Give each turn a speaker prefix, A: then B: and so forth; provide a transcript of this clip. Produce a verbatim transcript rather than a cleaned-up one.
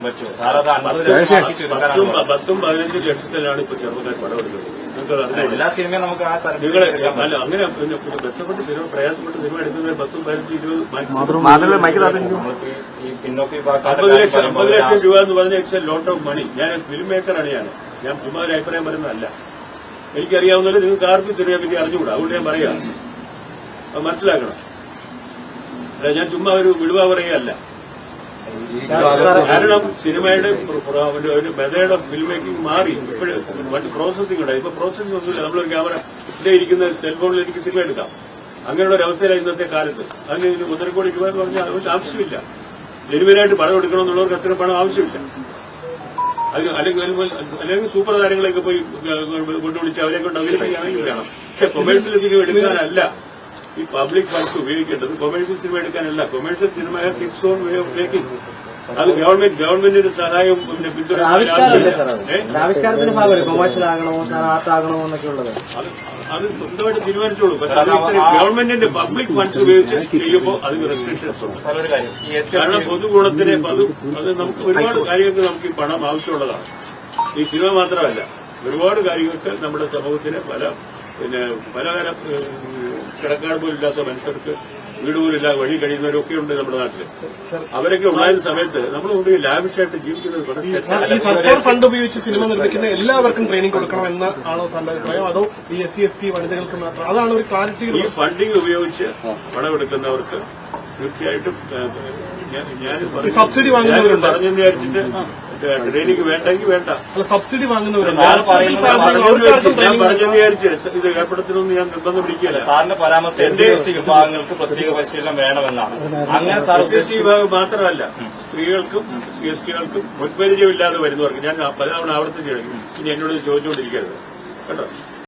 A: പത്തും പതിനഞ്ചും ലക്ഷത്തിലാണ് ഇപ്പൊ ചെറുപ്പക്കാർ പടം എടുക്കുന്നത്.
B: എല്ലാ സിനിമയും നമുക്ക് ആ
A: നിങ്ങളെ അല്ല അങ്ങനെ ബന്ധപ്പെട്ട് സിനിമ പ്രയാസപ്പെട്ട് സിനിമ എടുക്കുന്നത് പത്തും പതിനഞ്ചും ഇരുപത് അമ്പത് ലക്ഷം അമ്പത് ലക്ഷം രൂപ എന്ന് പറഞ്ഞ it's a lot of money. ഞാൻ ഫിലിം മേക്കറാണ്. ഞാൻ ഞാൻ ചുമ്മാ ഒരു അഭിപ്രായം പറയുന്നതല്ല. എനിക്കറിയാവുന്നതിൽ നിങ്ങൾക്ക് ആർക്കും സിനിമയെ പറ്റി അറിഞ്ഞുകൂടാ. അതുകൊണ്ട് ഞാൻ പറയാം, അത് മനസ്സിലാക്കണം. അല്ല, ഞാൻ ചുമ്മാ ഒരു വിടുവ പറയുകയല്ല. കാരണം സിനിമയുടെ മെതേഡ് ഓഫ് ഫിലിം മേക്കിംഗ് മാറി. ഇപ്പോഴും മറ്റ് പ്രോസസിംഗ് ഉണ്ടായി. ഇപ്പൊ പ്രോസസിംഗ് ഒന്നുമില്ല. നമ്മളൊരു ക്യാമറ ഇവിടെ ഇരിക്കുന്ന സെൽഫോണിൽ എനിക്ക് സിനിമ എടുക്കാം. അങ്ങനെയുള്ള ഒരു അവസ്ഥയിലാണ് ഇന്നത്തെ കാലത്ത്. അതിന് ഒന്നര കോടി രൂപ എന്ന് പറഞ്ഞാൽ അതിന് ആവശ്യമില്ല. ജനുവനായിട്ട് പണം എടുക്കണമെന്നുള്ളവർക്ക് അത്ര പണം ആവശ്യമില്ല. അത് അല്ലെങ്കിൽ അല്ലെങ്കിൽ സൂപ്പർ താരങ്ങളെയൊക്കെ പോയി കൊണ്ടുപിടിച്ച് അവരെ കൊണ്ട് അവതരിപ്പിക്കുകയാണെങ്കിൽ വേണം. പക്ഷെ കൊമേഴ്സ്യൽ സിനിമ എടുക്കാനല്ല ഈ പബ്ലിക് ഫണ്ട്സ് ഉപയോഗിക്കേണ്ടത്. കൊമേഴ്സ്യൽ സിനിമ എടുക്കാനല്ല. കൊമേഴ്സ്യൽ സിനിമ has its own way of making. അത് ഗവൺമെന്റ് ഗവൺമെന്റിന്റെ സഹായവും പിന്നെ പിന്തുണ
C: ആവിഷ്കാരത്തിന്റെ ഭാഗമല്ലേ കൊമേഴ്സ്യൽ ആകണമോ ആർട്ടാകണമോ എന്നൊക്കെ ഉള്ളത്.
A: അത് സ്വന്തമായിട്ട് തീരുമാനിച്ചോളൂ. പക്ഷെ ഗവൺമെന്റിന്റെ പബ്ലിക് ഫണ്ട്സ് ഉപയോഗിച്ച് ചെയ്യുമ്പോൾ അതിന് റെസ്ട്രിക്ഷൻസ് ഉണ്ട്. കാരണം പൊതുഗുണത്തിന് അത് അത് നമുക്ക് ഒരുപാട് കാര്യങ്ങൾക്ക് നമുക്ക് ഈ പണം ആവശ്യമുള്ളതാണ്. ഈ സിനിമ മാത്രമല്ല, ഒരുപാട് കാര്യങ്ങൾക്ക് നമ്മുടെ സമൂഹത്തിന് പല പിന്നെ പലതരം കിടക്കാട് പോലും ഇല്ലാത്ത മനുഷ്യർക്ക് വീട് പോലും ഇല്ലാതെ വഴി കഴിയുന്നവരൊക്കെ ഉണ്ട് നമ്മുടെ നാട്ടിൽ. അവരൊക്കെ ഉണ്ടായിരുന്ന സമയത്ത് നമ്മൾ കൊണ്ട് ലാവിഷായിട്ട് ജീവിക്കുന്നത്
D: സർക്കാർ ഫണ്ട് ഉപയോഗിച്ച് സിനിമ നിർമ്മിക്കുന്ന എല്ലാവർക്കും ട്രെയിനിങ് കൊടുക്കണം എന്ന് ആണോ സാറിന്റെ അഭിപ്രായം? അതോ ഈ എസ് സി എസ് ടി വനിതകൾക്ക് മാത്രം? അതാണ് ഒരു ക്ലാരിറ്റി.
A: ഈ ഫണ്ടിങ് ഉപയോഗിച്ച് പണമെടുക്കുന്നവർക്ക് തീർച്ചയായിട്ടും ഞാൻ
D: സബ്സിഡി വാങ്ങുന്നവരുണ്ട്
A: പറഞ്ഞെന്ന് വിചാരിച്ചിട്ട് ട്രെയിനിങ് വേണ്ടെങ്കിൽ വേണ്ട.
D: സബ്സിഡി വാങ്ങുന്നവരുണ്ട്.
A: ഞാൻ പറഞ്ഞെന്ന് വിചാരിച്ച് ഇത് ഏർപ്പെടുത്തണമെന്ന് ഞാൻ നിർബന്ധം പിടിക്കുകയല്ല.
B: സാറിന്റെ പരാമർശം എസ് സി എസ് ടി വിഭാഗങ്ങൾക്ക് പ്രത്യേക പരിശീലനം വേണമെന്നാണ്. അങ്ങനെ
A: എസ് എസ് ടി വിഭാഗം മാത്രമല്ല, സ്ത്രീകൾക്കും സി എസ് ടികൾക്കും മുൻപരിചയമില്ലാതെ വരുന്നവർക്ക് ഞാൻ പലതവണ ആവർത്തിച്ച് ഇനി എന്നോട് ചോദിച്ചുകൊണ്ടിരിക്കരുത് കേട്ടോ.